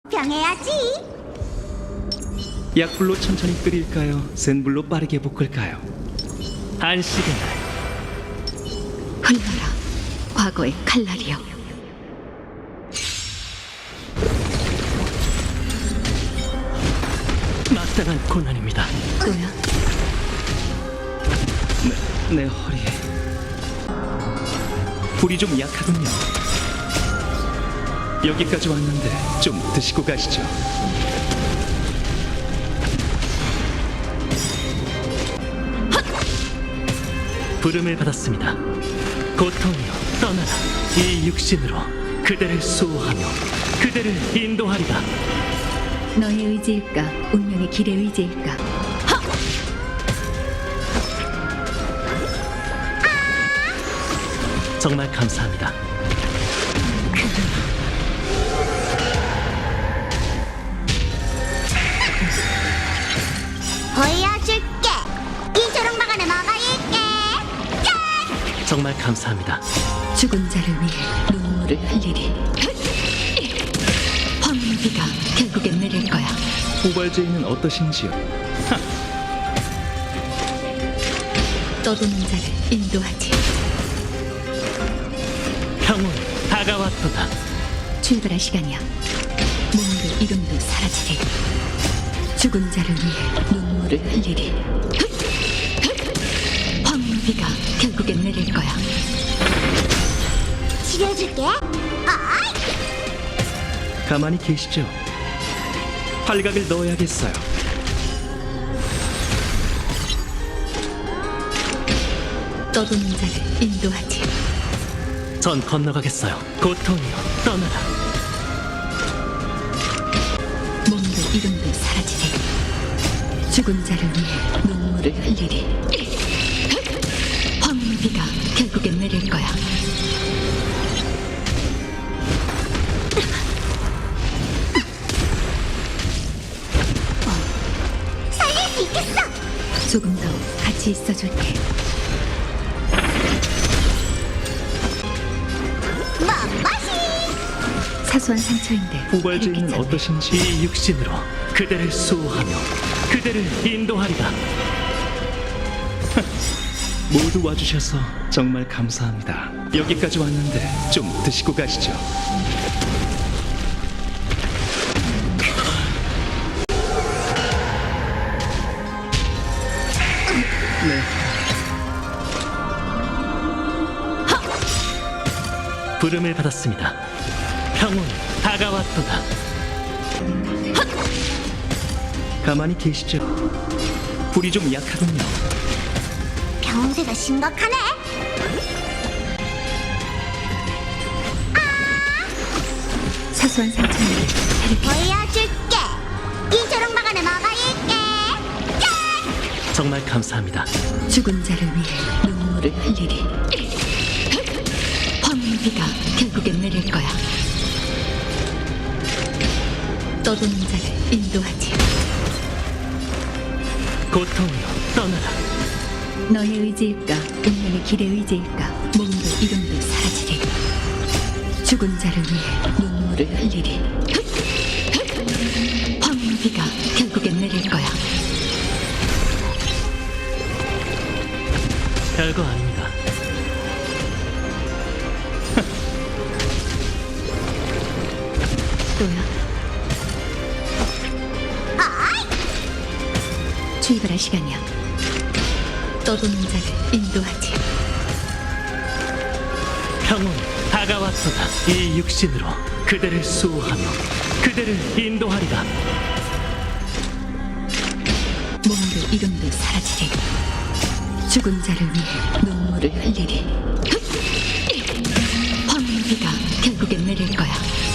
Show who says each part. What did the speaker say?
Speaker 1: 병해야지.
Speaker 2: 약불로 천천히 끓일까요? 센 불로 빠르게 볶을까요? 안식의 날.
Speaker 3: 흘러라 과거의 칼날이여.
Speaker 2: 마땅한 고난입니다.
Speaker 3: 또야.
Speaker 2: 내 허리에 불이 좀 약하군요. 여기까지 왔는데 좀 드시고 가시죠. 부름을 받았습니다. 고통이여 떠나라. 이 육신으로 그대를 수호하며 그대를 인도하리라.
Speaker 3: 너의 의지일까 운명의 길의 의지일까.
Speaker 2: 정말 감사합니다.
Speaker 1: 보여줄게. 이 조롱박 안에 뭐가 있게.
Speaker 2: 정말 감사합니다.
Speaker 3: 죽은 자를 위해 눈물을 흘리리. 황비가 결국엔 내릴 거야.
Speaker 2: 우발제인은 어떠신지요?
Speaker 3: 떠도는 자를 인도하지.
Speaker 2: 평온 다가왔도다.
Speaker 3: 출발할 시간이야. 몸도 이름도 사라지리. 죽은 자를 위해 눈물을 흘리리. 황비가 결국엔 내릴 거야.
Speaker 1: 치료해줄게. 아이.
Speaker 2: 가만히 계시죠. 활각을 넣어야겠어요.
Speaker 3: 떠도는 자를 인도하지.
Speaker 2: 전 건너가겠어요. 고통이여 떠나라.
Speaker 3: 몸도 이름도 사라지리. 죽은 자를 위해 눈물을 흘리리. 황비가 결국엔 내릴 거야.
Speaker 1: 살릴 수 있겠어.
Speaker 3: 조금 더 같이 있어줄게.
Speaker 1: 멋멋이.
Speaker 3: 사소한 상처인데
Speaker 2: 우발제인은
Speaker 3: 괜찮네.
Speaker 2: 어떠신지. 이 육신으로 그대를 수호하며 그대를 인도하리라. 모두 와주셔서 정말 감사합니다. 여기까지 왔는데 좀 드시고 가시죠. 네. 부름을 받았습니다. 평온 다가왔도다. 가만히 계시죠. 불이 좀 약하군요.
Speaker 1: 병세가 심각하네.
Speaker 3: 사소한 상처인데
Speaker 1: 보여줄게. 이 조롱박 안에 뭐가 있게.
Speaker 2: 정말 감사합니다.
Speaker 3: 죽은 자를 위해 눈물을 흘리리. 황비가 결국엔 내릴 거야. 떠도는 자를 인도하지.
Speaker 2: 고통이여 떠나라.
Speaker 3: 너의 의지일까 운명의 길의 의지일까. 몸도 이름도 사라지리. 죽은 자를 위해 눈물을 흘리리. 황비가 결국엔 내릴 거야.
Speaker 2: 별거 아닙니다.
Speaker 3: 또야. 출발할 시간이야. 떠도는 자를 인도하지.
Speaker 2: 평온 다가왔도다. 이 육신으로 그대를 수호하며 그대를 인도하리라.
Speaker 3: 몸도 이름도 사라지리. 죽은 자를 위해 눈물을 흘리리. 황비가 결국엔 내릴 거야.